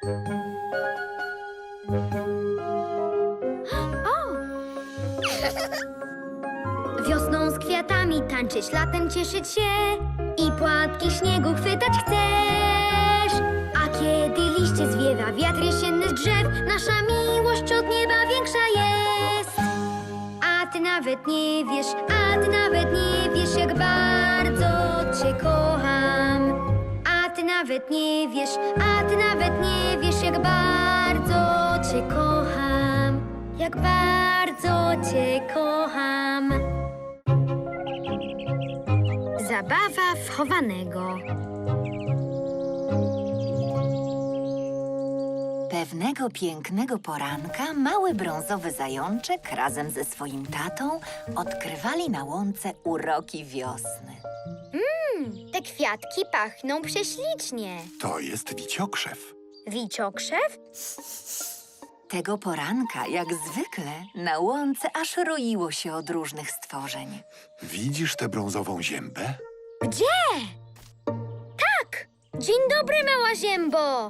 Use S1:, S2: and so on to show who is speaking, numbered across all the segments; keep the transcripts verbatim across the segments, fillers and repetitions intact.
S1: O! Wiosną z kwiatami tańczyć, latem cieszyć się i płatki śniegu chwytać chcesz. A kiedy liście zwiewa wiatr jesienny z drzew, nasza miłość od nieba większa jest. A ty nawet nie wiesz, a ty nawet nie wiesz, jak bardzo cię kocham. A ty nawet nie wiesz, a ty nawet nie wiesz, jak bardzo cię kocham. Jak bardzo cię kocham. Zabawa w chowanego.
S2: Pewnego pięknego poranka mały brązowy zajączek razem ze swoim tatą odkrywali na łące uroki wiosny.
S1: Te kwiatki pachną prześlicznie.
S3: To jest wiciokrzew.
S1: Wiciokrzew?
S2: Tego poranka, jak zwykle, na łące aż roiło się od różnych stworzeń.
S3: Widzisz tę brązową ziębę?
S1: Gdzie? Tak! Dzień dobry, mała ziębo!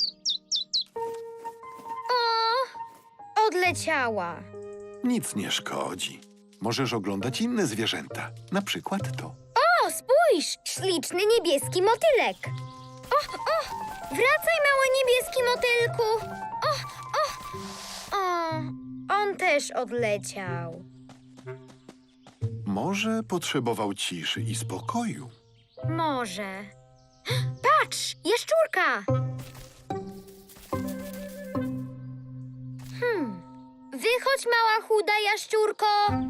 S1: O! Odleciała.
S3: Nic nie szkodzi. Możesz oglądać inne zwierzęta. Na przykład to.
S1: O, spójrz! Śliczny niebieski motylek. O, o! Wracaj, mały niebieski motylku! O, o! O, on też odleciał.
S3: Może potrzebował ciszy i spokoju.
S1: Może. Patrz! Jaszczurka! Hmm. Wychodź, mała chuda jaszczurko!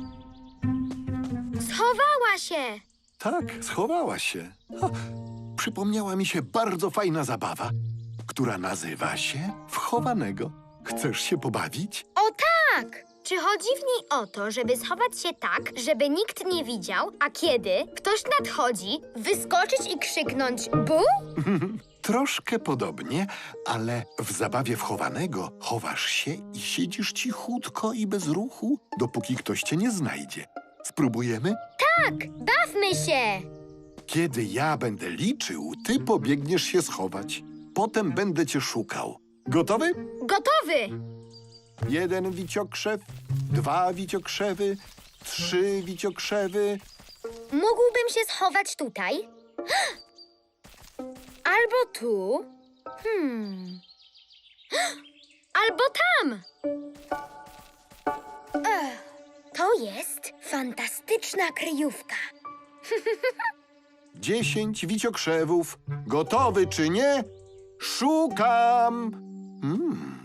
S1: Schowała się!
S3: Tak, schowała się. O, przypomniała mi się bardzo fajna zabawa, która nazywa się wchowanego. Chcesz się pobawić?
S1: O tak! Czy chodzi w niej o to, żeby schować się tak, żeby nikt nie widział, a kiedy ktoś nadchodzi, wyskoczyć i krzyknąć bu?
S3: Troszkę podobnie, ale w zabawie wchowanego chowasz się i siedzisz cichutko i bez ruchu, dopóki ktoś cię nie znajdzie. Spróbujemy?
S1: Tak, bawmy się!
S3: Kiedy ja będę liczył, ty pobiegniesz się schować. Potem będę cię szukał. Gotowy?
S1: Gotowy!
S3: Jeden wiciokrzew, dwa wiciokrzewy, trzy wiciokrzewy.
S1: Mógłbym się schować tutaj? Albo tu? Hmm. Albo tam! Ech, to jest fantastyczna kryjówka.
S3: Dziesięć wiciokrzewów. Gotowy czy nie? Szukam! Hmm.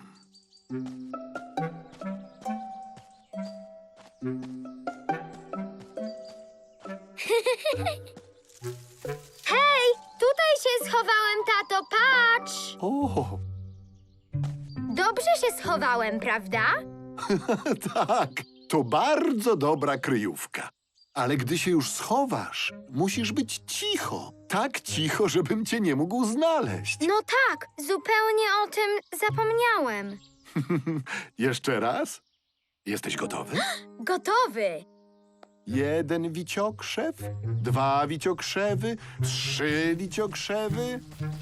S1: Hej, tutaj się schowałem, tato, patrz!
S3: O,
S1: Dobrze się schowałem, prawda?
S3: tak, to bardzo dobra kryjówka. Ale gdy się już schowasz, musisz być cicho. Tak cicho, żebym cię nie mógł znaleźć.
S1: No tak, zupełnie o tym zapomniałem.
S3: Jeszcze raz? Jesteś gotowy?
S1: Gotowy!
S3: Jeden wiciokrzew, dwa wiciokrzewy, trzy wiciokrzewy.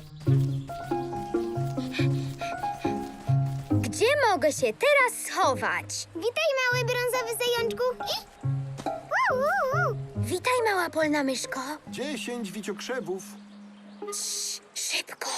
S1: Gdzie mogę się teraz schować?
S4: Witaj, mały brązowy zajączku. I... Uu, uu, uu.
S1: Witaj, mała polna myszko.
S3: Dziesięć wiciokrzewów.
S1: Cii, szybko.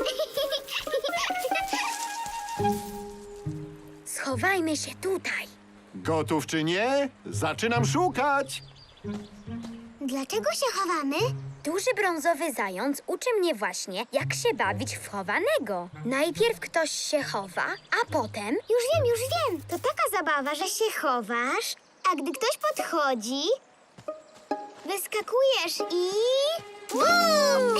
S1: Schowajmy się tutaj.
S3: Gotów czy nie? Zaczynam szukać.
S4: Dlaczego się chowamy?
S1: Duży brązowy zając uczy mnie właśnie, jak się bawić w chowanego. Najpierw ktoś się chowa, a potem...
S4: Już wiem, już wiem. To taka zabawa, że się chowasz, a gdy ktoś podchodzi, wyskakujesz i... Bum!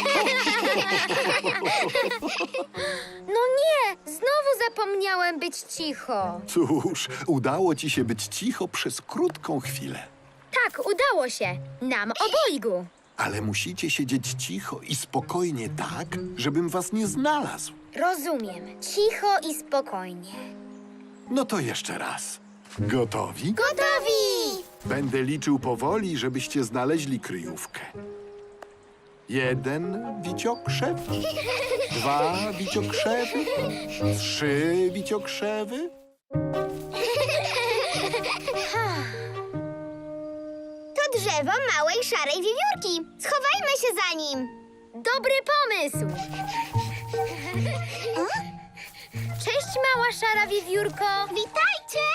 S1: No nie, znowu zapomniałem być cicho.
S3: Cóż, udało ci się być cicho przez krótką chwilę.
S1: Tak, udało się. Nam obojgu.
S3: Ale musicie siedzieć cicho i spokojnie tak, żebym was nie znalazł.
S1: Rozumiem. Cicho i spokojnie.
S3: No to jeszcze raz. Gotowi?
S1: Gotowi!
S3: Będę liczył powoli, żebyście znaleźli kryjówkę. Jeden wiciokrzew, dwa wiciokrzewy, trzy wiciokrzewy.
S4: To drzewo małej szarej wiewiórki. Schowajmy się za nim.
S1: Dobry pomysł! Cześć, mała szara wiewiórko!
S4: Witajcie!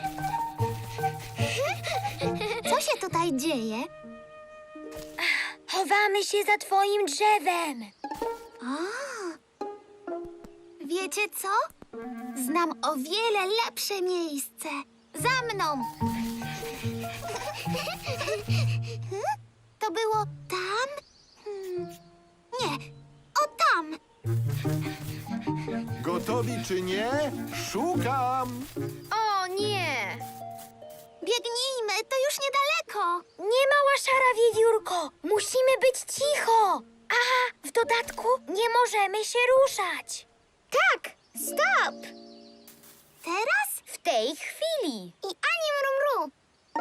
S4: Co się tutaj dzieje?
S1: Chowamy się za twoim drzewem.
S4: Wiecie co? Znam o wiele lepsze miejsce. Za mną! To było tam? Hmm. Nie, o tam!
S3: Gotowi czy nie? Szukam!
S1: O nie!
S4: Biegnijmy, to już niedaleko.
S1: Nie, mała szara wiewiórko! Musimy być cicho! Aha, w dodatku nie możemy się ruszać.
S4: Tak, stop! Teraz?
S1: W tej chwili.
S4: I ani mrumru.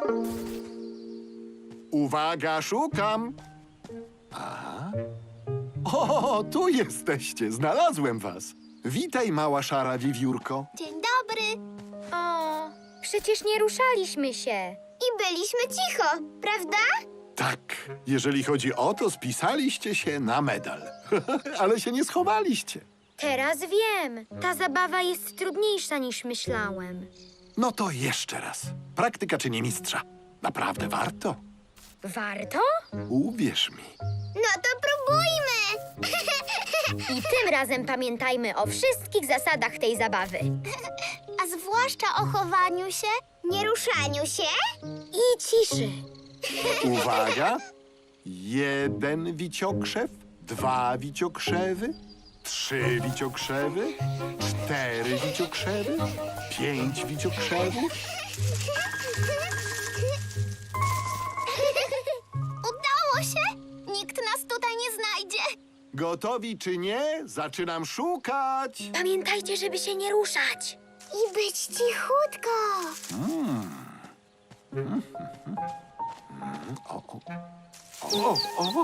S3: Uwaga, szukam! Aha. O, tu jesteście, znalazłem was. Witaj, mała szara wiewiórko.
S4: Dzień dobry.
S1: O, przecież nie ruszaliśmy się.
S4: I byliśmy cicho, prawda?
S3: Tak, jeżeli chodzi o to, spisaliście się na medal. Ale się nie schowaliście.
S1: Teraz wiem. Ta zabawa jest trudniejsza niż myślałem.
S3: No to jeszcze raz. Praktyka czyni mistrza. Naprawdę warto.
S1: Warto?
S3: Uwierz mi.
S4: No to próbujmy.
S1: I tym razem pamiętajmy o wszystkich zasadach tej zabawy.
S4: A zwłaszcza o chowaniu się, nie ruszaniu się.
S1: I ciszy.
S3: Uwaga. Jeden wiciokrzew, dwa wiciokrzewy, trzy wiciokrzewy, cztery wiciokrzewy, pięć wiciokrzewów.
S4: Udało się? Nikt nas tutaj nie znajdzie.
S3: Gotowi czy nie? Zaczynam szukać.
S1: Pamiętajcie, żeby się nie ruszać.
S4: I być cichutko.
S3: O, o. O, o.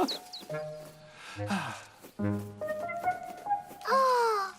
S4: O,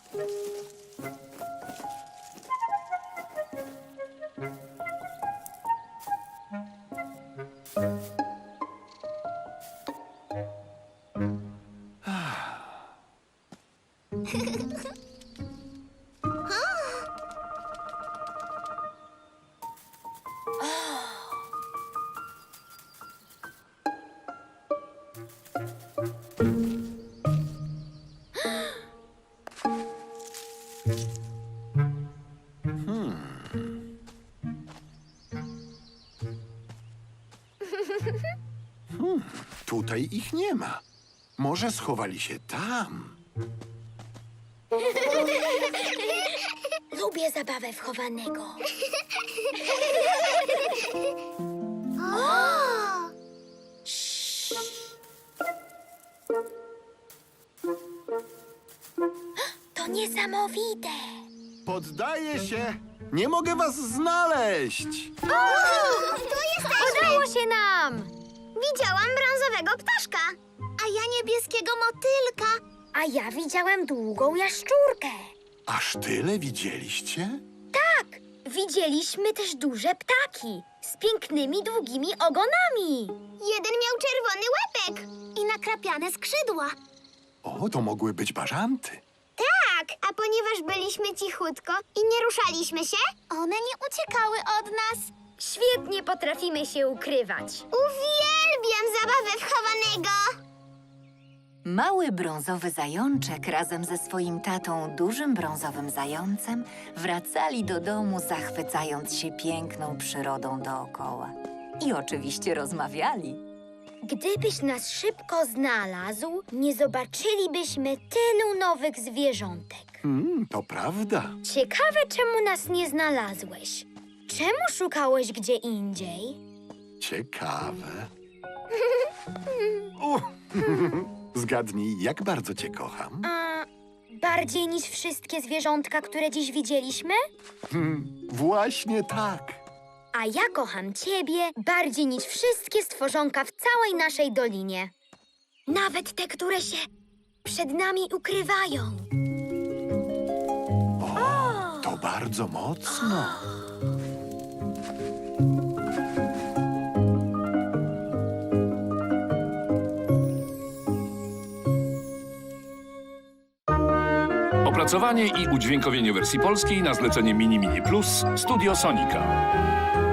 S3: Tutaj ich nie ma. Może schowali się tam.
S1: Lubię zabawę wchowanego.
S4: o.
S1: To niesamowite.
S3: Poddaję się. Nie mogę was znaleźć.
S4: Tu jesteśmy.
S1: Udało się nam.
S4: Widziałam brązowego ptaszka. A ja niebieskiego motylka.
S1: A ja widziałem długą jaszczurkę.
S3: Aż tyle widzieliście?
S1: Tak, widzieliśmy też duże ptaki z pięknymi, długimi ogonami.
S4: Jeden miał czerwony łepek i nakrapiane skrzydła.
S3: O, to mogły być bażanty.
S4: Tak, a ponieważ byliśmy cichutko i nie ruszaliśmy się, one nie uciekały od nas.
S1: Świetnie potrafimy się ukrywać.
S4: Uwielbiam zabawę wchowanego.
S2: Mały brązowy zajączek razem ze swoim tatą, dużym brązowym zającem, wracali do domu, zachwycając się piękną przyrodą dookoła. I oczywiście rozmawiali.
S1: Gdybyś nas szybko znalazł, nie zobaczylibyśmy tylu nowych zwierzątek.
S3: Hmm, to prawda.
S1: Ciekawe, czemu nas nie znalazłeś. Czemu szukałeś gdzie indziej?
S3: Ciekawe. U. Zgadnij, jak bardzo cię kocham.
S1: A bardziej niż wszystkie zwierzątka, które dziś widzieliśmy?
S3: Hmm, właśnie tak.
S1: A ja kocham ciebie bardziej niż wszystkie stworzonka w całej naszej dolinie. Nawet te, które się przed nami ukrywają.
S3: O, to bardzo mocno.
S5: Opracowanie i udźwiękowienie wersji polskiej na zlecenie Mini Mini Plus Studio Sonika.